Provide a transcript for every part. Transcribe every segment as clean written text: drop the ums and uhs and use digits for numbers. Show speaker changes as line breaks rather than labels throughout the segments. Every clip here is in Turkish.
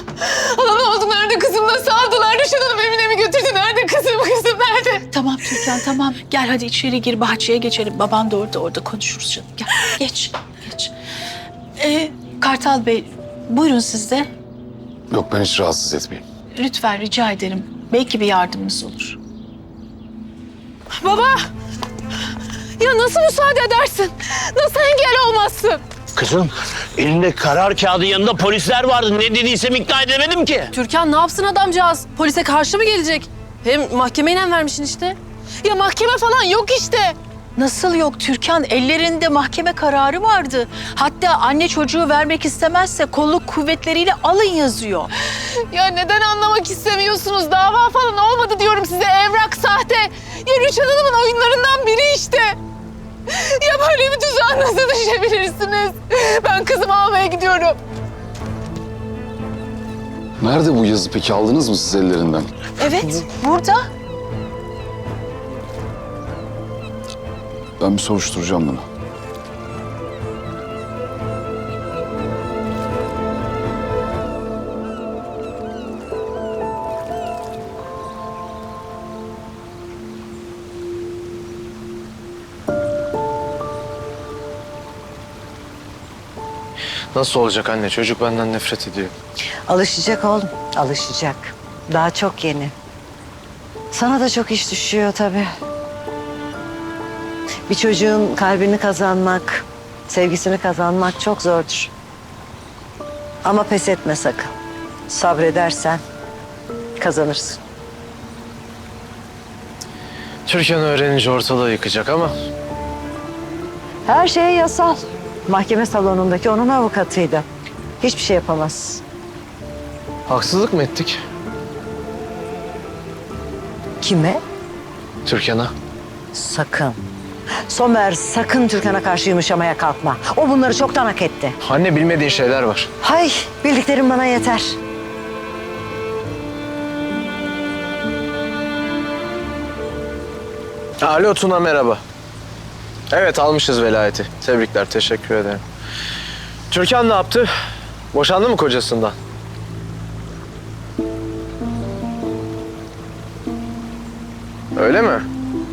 Hala ne oldu? Nerede kızım? Nasıl aldılar? Rüşen Hanım evine mi götürdü? Nerede kızım? Kızım nerede?
Tamam Türkan tamam. Gel hadi içeri gir, bahçeye geçelim. Baban da orada konuşuruz canım. Gel geç. Kartal Bey buyurun siz de.
Yok, ben hiç rahatsız etmeyeyim.
Lütfen rica ederim. Belki bir yardımımız olur.
Baba! Ya nasıl müsaade edersin? Nasıl engel olmazsın?
Kızım, elinde karar kağıdı, yanında polisler vardı. Ne dediysem ikna edemedim ki.
Türkan ne yapsın adamcağız? Polise karşı mı gelecek? Hem mahkemeyle vermişsin işte.
Ya mahkeme falan yok işte.
Nasıl yok Türkan? Ellerinde mahkeme kararı vardı. Hatta anne çocuğu vermek istemezse kolluk kuvvetleriyle alın yazıyor.
Ya neden anlamak istemiyorsunuz? Dava falan olmadı diyorum size. Evrak sahte. Ya Rüşen Hanım'ın oyunlarından biri işte. Ya böyle bir tuzağa nasıl düşebilirsiniz? Ben kızımı almaya gidiyorum.
Nerede bu yazı peki? Aldınız mı siz ellerinden?
Evet burada.
Ben bir soruşturacağım bunu.
Nasıl olacak anne? Çocuk benden nefret ediyor.
Alışacak oğlum, alışacak. Daha çok yeni. Sana da çok iş düşüyor tabii. Bir çocuğun kalbini kazanmak, sevgisini kazanmak çok zordur. Ama pes etme sakın. Sabredersen kazanırsın.
Türkan öğrenince ortalığı yıkacak ama
Her şey yasal. Mahkeme salonundaki onun avukatıydı. Hiçbir şey yapamaz.
haksızlık mı ettik
Kime?
Türkan'a?
Sakın. Somer sakın Türkan'a karşı yumuşamaya kalkma. O bunları çoktan hak etti.
Anne, bilmediğin şeyler var.
Hay, bildiklerim bana yeter.
Alo Tuna, merhaba. Evet, almışız velayeti. Tebrikler, teşekkür ederim. Türkan ne yaptı? Boşandı mı kocasından? Öyle mi?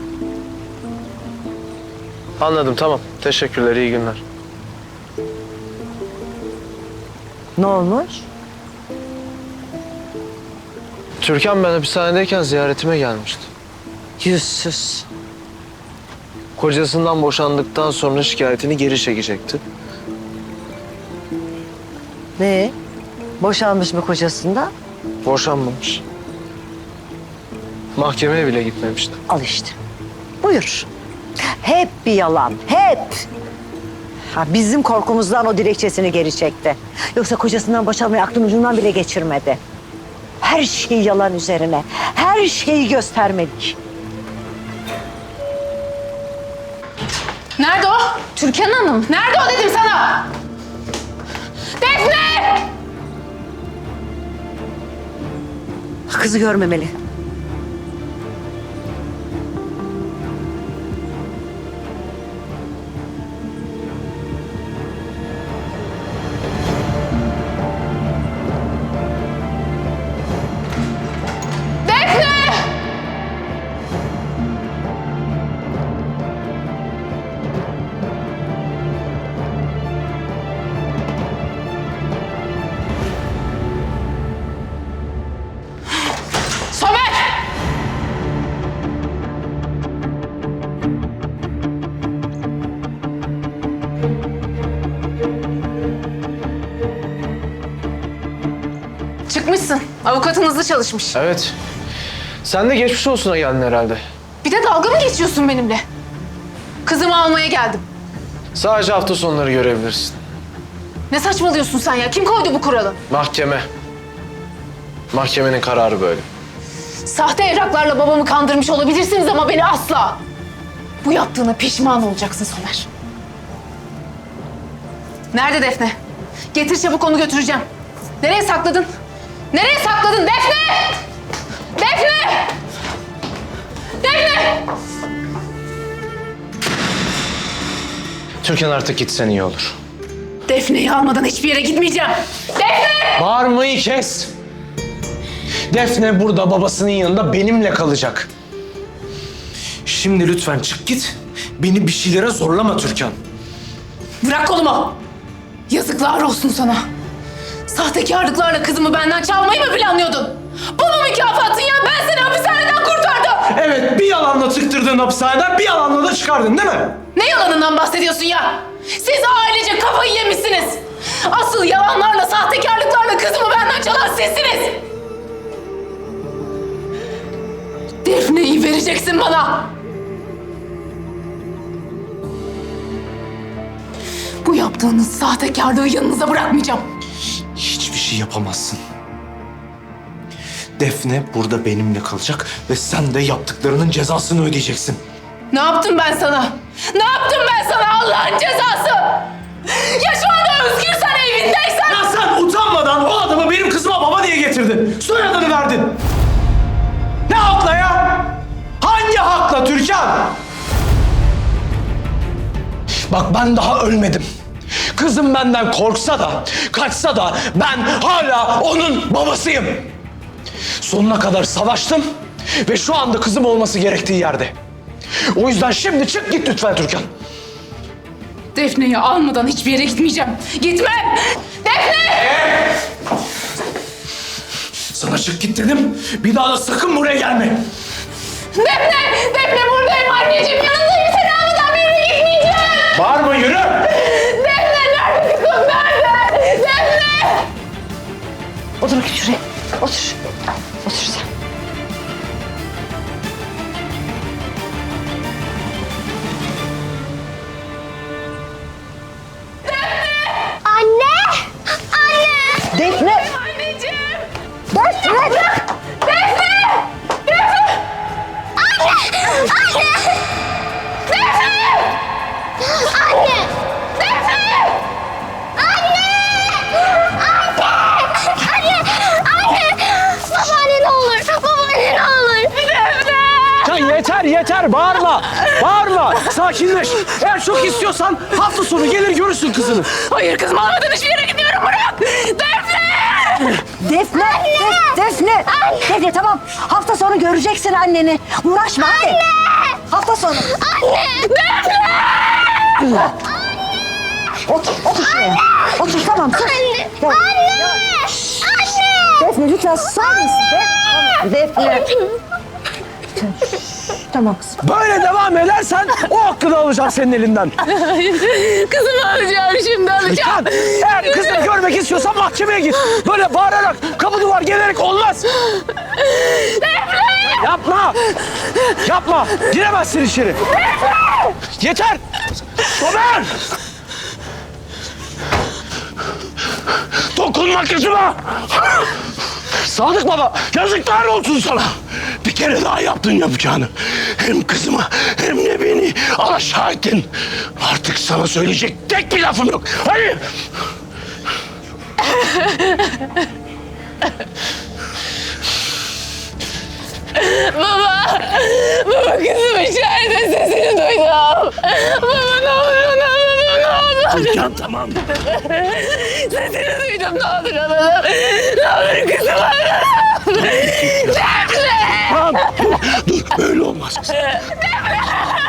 Anladım, tamam. Teşekkürler, iyi günler.
Ne olmuş?
Türkan ben hapishanedeyken ziyaretime gelmişti.
Yüzsüz.
Kocasından boşandıktan sonra şikayetini geri çekecekti.
Ne? Boşanmış mı kocasından?
Boşanmamış. Mahkemeye bile gitmemişti.
Al işte. Buyur. Hep bir yalan, hep. Ha, bizim korkumuzdan o dilekçesini geri çekti. Yoksa kocasından boşanmayı aklın ucundan bile geçirmedi. Her şey yalan üzerine, her şeyi göstermelik.
Nerede o? Türkan Hanım. Nerede o dedim sana? Defne!
Kızı görmemeli.
Defne! Somer! Çıkmışsın. Avukatın hızlı çalışmış.
Evet. Sen de geçmiş olsuna geldin herhalde.
Bir de dalga mı geçiyorsun benimle? Kızımı almaya geldim.
Sadece hafta sonları görebilirsin.
Ne saçmalıyorsun sen ya? Kim koydu bu kuralı?
Mahkeme. Mahkemenin kararı böyle.
Sahte evraklarla babamı kandırmış olabilirsiniz ama beni asla. Bu yaptığına pişman olacaksın Somer. Nerede Defne? Getir çabuk, onu götüreceğim. Nereye sakladın? Nereye sakladın Defne? Defne! Defne!
Türkan artık gitsen iyi olur.
Defne'yi almadan hiçbir yere gitmeyeceğim. Defne!
Bağırmayı kes. Defne burada babasının yanında benimle kalacak. Şimdi lütfen çık git. Beni bir şeylere zorlama Türkan.
Bırak kolumu. Yazıklar olsun sana. Sahtekarlıklarla kızımı benden çalmayı mı planlıyordun? Bu mu mükafatın ya? Ben seni hapishaneden kurtardım.
Evet, bir yalanla tıktırdın hapishaneden, bir yalanla da çıkardın değil mi?
Ne yalanından bahsediyorsun ya? Siz ailece kafayı yemişsiniz. Asıl yalanlarla, sahtekarlıklarla kızımı benden çalan sizsiniz. Defne'yi vereceksin bana. Bu yaptığınız sahtekarlığı yanınıza bırakmayacağım.
Hiçbir şey yapamazsın. Defne burada benimle kalacak ve sen de yaptıklarının cezasını ödeyeceksin.
Ne yaptım ben sana? Ne yaptım ben sana Allah'ın cezası? Ya şu anda özgürsen evindeysen...
Ya sen utanmadan o adamı benim kızıma baba diye getirdin. Soyadını verdin. Ne hakla ya? Hangi hakla Türkan? Bak ben daha ölmedim. Kızım benden korksa da, kaçsa da ben hala onun babasıyım. Sonuna kadar savaştım ve şu anda kızım olması gerektiği yerde. O yüzden şimdi çık git lütfen Türkan.
Defne'yi almadan hiçbir yere gitmeyeceğim. Gitmem! Defne!
Sana çık git dedim. Bir daha da sakın buraya gelme.
Defne! Defne buradayım anneciğim. Yanındayım. Seni almadan bir yere gitmeyeceğim.
Bağırma yürü.
Defne nerede kızım? Nerede? Defne!
Otur bakayım şuraya. Otur. Otur sen.
Anne! Anne!
Defne!
Anneciğim!
Defne!
Defne! Defne!
Anne! Anne!
Defne!
Anne!
Defne!
Anne! Babaanne ne olur! Babaanne ne olur!
Ya yeter bağırma. Bağırma. Sakinleş. Eğer çok istiyorsan hafta sonu gelir görürsün kızını.
Hayır kızım almadan hiçbir yere gitmiyorum. Bırak! Defne!
Defne! Defne! Defne tamam. Hafta sonu göreceksin anneni. Uğraşma hadi. Anne! Hafta sonu.
Anne!
Anne! Otur şuraya. Otur tamam. Sus.
Anne!
Tamam.
Anne! Anne!
Defne lütfen susar mısın? Defne. Tamam kızım.
Böyle devam edersen o hakkını alacağım senin elinden.
Kızımı alacağım şimdi alacağım.
Lütfen. Eğer kızını görmek istiyorsan mahkemeye git. Böyle bağırarak, kapı duvar gelerek olmaz. Yapma. Yapma. Giremezsin içeri. Yeter. Somer. Dokunma kızıma. Sadık baba, yazıklar olsun sana. Bir kere daha yaptın yapacağını. Hem kızımı hem de beni alaşağı ettin. Artık sana söyleyecek tek bir lafım yok. Hadi.
Baba! Baba kızım içeride sesini duydum. Baba ne olur ne olur.
Türkan tamam.
Sesini duydum ne olur alalım. Ne olur kızım alalım. Defne!
Tamam. Dur böyle olmaz.
Defne!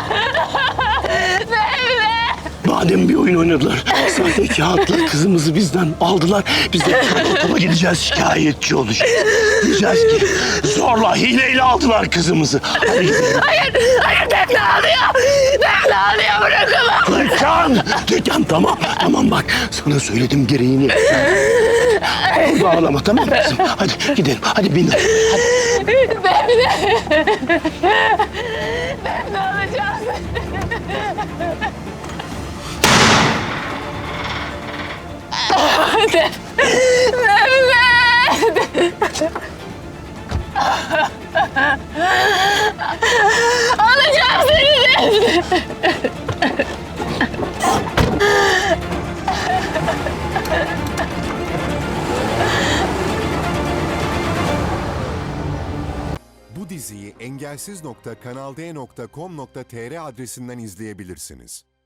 Madem bir oyun oynadılar, sahte kağıtla kızımızı bizden aldılar. Biz de karakola gideceğiz, şikayetçi olacağız. Diyeceğiz ki zorla, hileyle aldılar kızımızı. Hadi gidelim.
Hayır Defne ağlıyor. Defne ağlıyor bırakamam.
Türkan tamam bak. Sana söyledim gereğini. Burada ağlama tamam mı kızım? Hadi gidelim, hadi bin.
Defne alacağız. Alacağım seni.
Bu diziyi engelsiz.kanalde.com.tr adresinden izleyebilirsiniz.